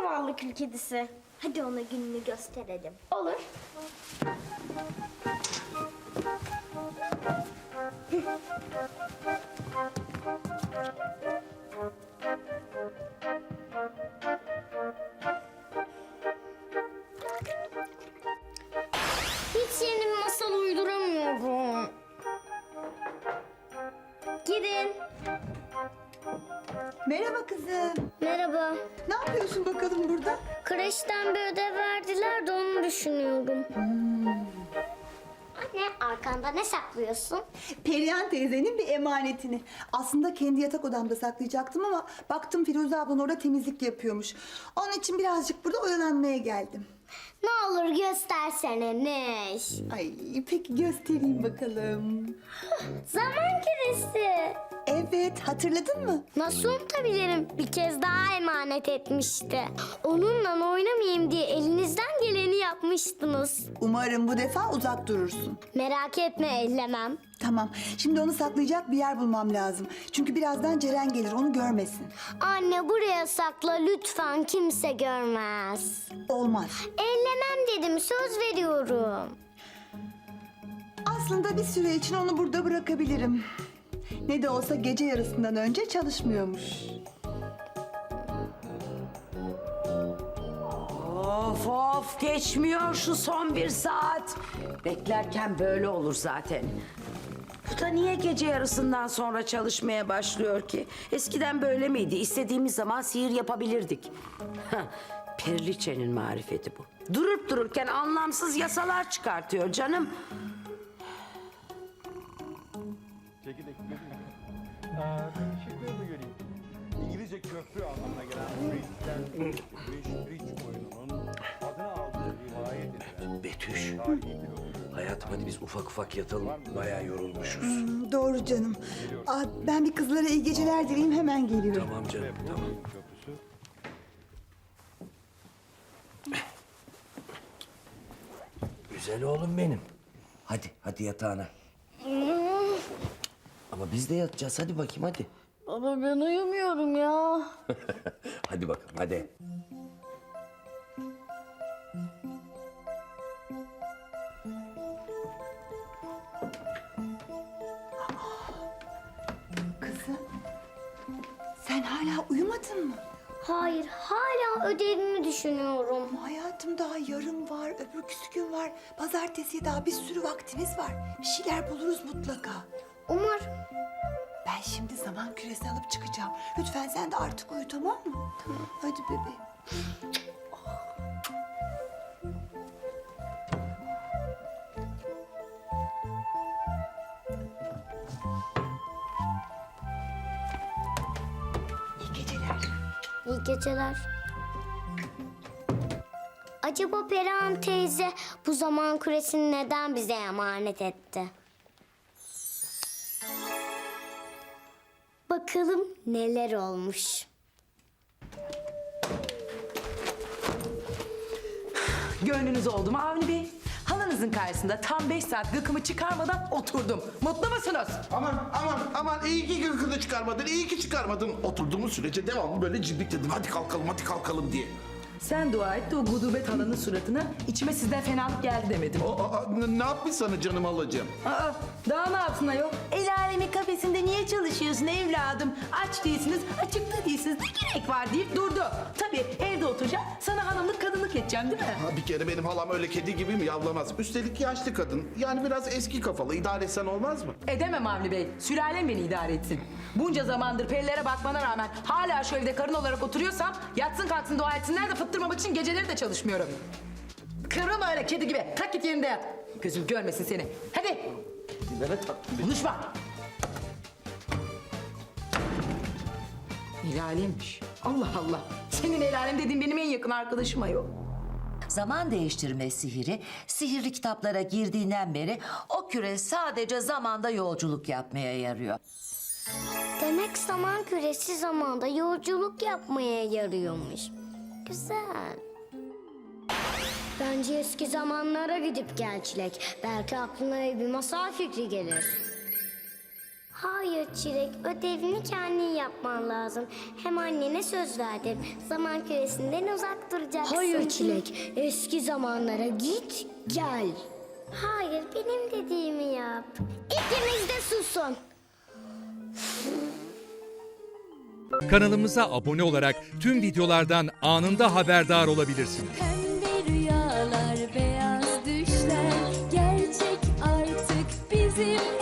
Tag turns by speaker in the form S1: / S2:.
S1: zavallı kül kedisi. Hadi ona gününü gösterelim. Olur. Hiç yeni bir masal uyduramıyorum. Girin.
S2: Merhaba kızım.
S1: Merhaba.
S2: Ne yapıyorsun bakalım burada?
S1: Kreşten bir ödev verdiler de onu düşünüyorum. Anne, arkanda ne saklıyorsun?
S2: Perihan teyzenin bir emanetini. Aslında kendi yatak odamda saklayacaktım ama baktım Firuze ablan orada temizlik yapıyormuş. Onun için birazcık burada oyalanmaya geldim.
S1: Ne olur göstersene Neş.
S2: Ay peki göstereyim bakalım.
S1: Zaman küresi.
S2: Evet, hatırladın mı?
S1: Nasıl unutabilirim? Bir kez daha emanet etmişti. Onunla oynamayayım diye elinizden geleni yapmıştınız.
S2: Umarım bu defa uzak durursun.
S1: Merak etme, ellemem.
S2: Tamam, şimdi onu saklayacak bir yer bulmam lazım. Çünkü birazdan Ceren gelir, onu görmesin.
S1: Anne, buraya sakla lütfen, kimse görmez.
S2: Olmaz.
S1: Ellemem dedim, söz veriyorum.
S2: Aslında bir süre için onu burada bırakabilirim. Ne de olsa gece yarısından önce çalışmıyormuş.
S3: Of of geçmiyor şu son bir saat. Beklerken böyle olur zaten. Bu da niye gece yarısından sonra çalışmaya başlıyor ki? Eskiden böyle miydi? İstediğimiz zaman sihir yapabilirdik. Heh, Periliçe'nin marifeti bu. Durup dururken anlamsız yasalar çıkartıyor canım.
S4: Çekirdek şıklığı mı göreyim? İngilizce köprü anlamına gelen bridge oyununun adını aldığı rivayet edilen
S5: Betüş,
S4: tarihi bir oyun.
S5: hayatım hadi biz ufak ufak yatalım. Bayağı yorulmuşuz.
S2: Doğru canım. Ben bir kızlara iyi geceler dileyim, hemen geliyorum.
S5: Tamam canım, tamam.
S4: Köprüsü
S5: Güzel oğlum benim. Hadi yatağına. Ama biz de yatacağız. Hadi bakayım hadi.
S1: Baba, ben uyumuyorum ya.
S5: Hadi bakalım hadi.
S2: Kızım, sen hala uyumadın mı?
S1: Hayır, hala ödevimi düşünüyorum.
S2: Hayatım, daha yarın var, öbürküsü gün var. Pazartesiye daha bir sürü vaktimiz var. Bir şeyler buluruz mutlaka.
S1: Umarım.
S2: Ben şimdi zaman küresi alıp çıkacağım. Lütfen sen de artık uyu, tamam mı? Tamam. Hadi bebeğim. İyi geceler.
S1: İyi geceler. Acaba Perihan teyze bu zaman küresini neden bize emanet etti? Bakalım neler olmuş.
S6: Gönlünüz oldu mu Avni Bey? Halanızın karşısında tam 5 saat gıkımı çıkarmadan oturdum. Mutlu musunuz?
S7: Aman iyi ki gırgını çıkarmadın, iyi ki çıkarmadın. Oturduğumuz sürece devamlı böyle ciblik dedim. Hadi kalkalım diye.
S6: Sen dua et de o gudubet halanın suratına içime sizden fenalık geldi demedim.
S7: Ne yapmış sana canım alacağım?
S6: Aa, daha ne yapsın ayol? El alemin kafesinde niye çalışıyorsun evladım? Aç değilsiniz, açıkta değilsiniz. Ne gerek var deyip durdu. Tabii evde oturacağım, sana hanımlık kadınlık edeceğim değil mi?
S7: Ha, bir kere benim halam öyle kedi gibi mi yavlamaz? Üstelik yaşlı kadın. Yani biraz eski kafalı. İdare etsen olmaz mı?
S6: Edemem Avni Bey. Sülalem beni idare etsin. Bunca zamandır perilere bakmana rağmen hala şu evde karın olarak oturuyorsam yatsın kalksın dua etsinler de fıttırmamak için geceleri de çalışmıyorum. Kırılma öyle kedi gibi. Kalk git yerinde yat. Gözüm görmesin seni. Hadi. Konuşma. El alemmiş. Allah Allah. Senin el alem dediğin benim en yakın arkadaşım ayol.
S8: Zaman değiştirme sihiri, sihirli kitaplara girdiğinden beri o küre sadece zamanda yolculuk yapmaya yarıyor.
S1: Demek zaman küresi zamanda yolculuk yapmaya yarıyormuş. Güzel. Bence eski zamanlara gidip gel Çilek. Belki aklına bir masal fikri gelir. Hayır Çilek, ödevini kendin yapman lazım. Hem annene söz verdim. Zaman küresinden uzak duracaksın. Hayır Çilek, eski zamanlara git gel. Hayır, benim dediğimi yap. İkiniz de susun.
S9: Kanalımıza abone olarak tüm videolardan anında haberdar olabilirsiniz.
S10: Pembe rüyalar, beyaz düşler gerçek artık bizim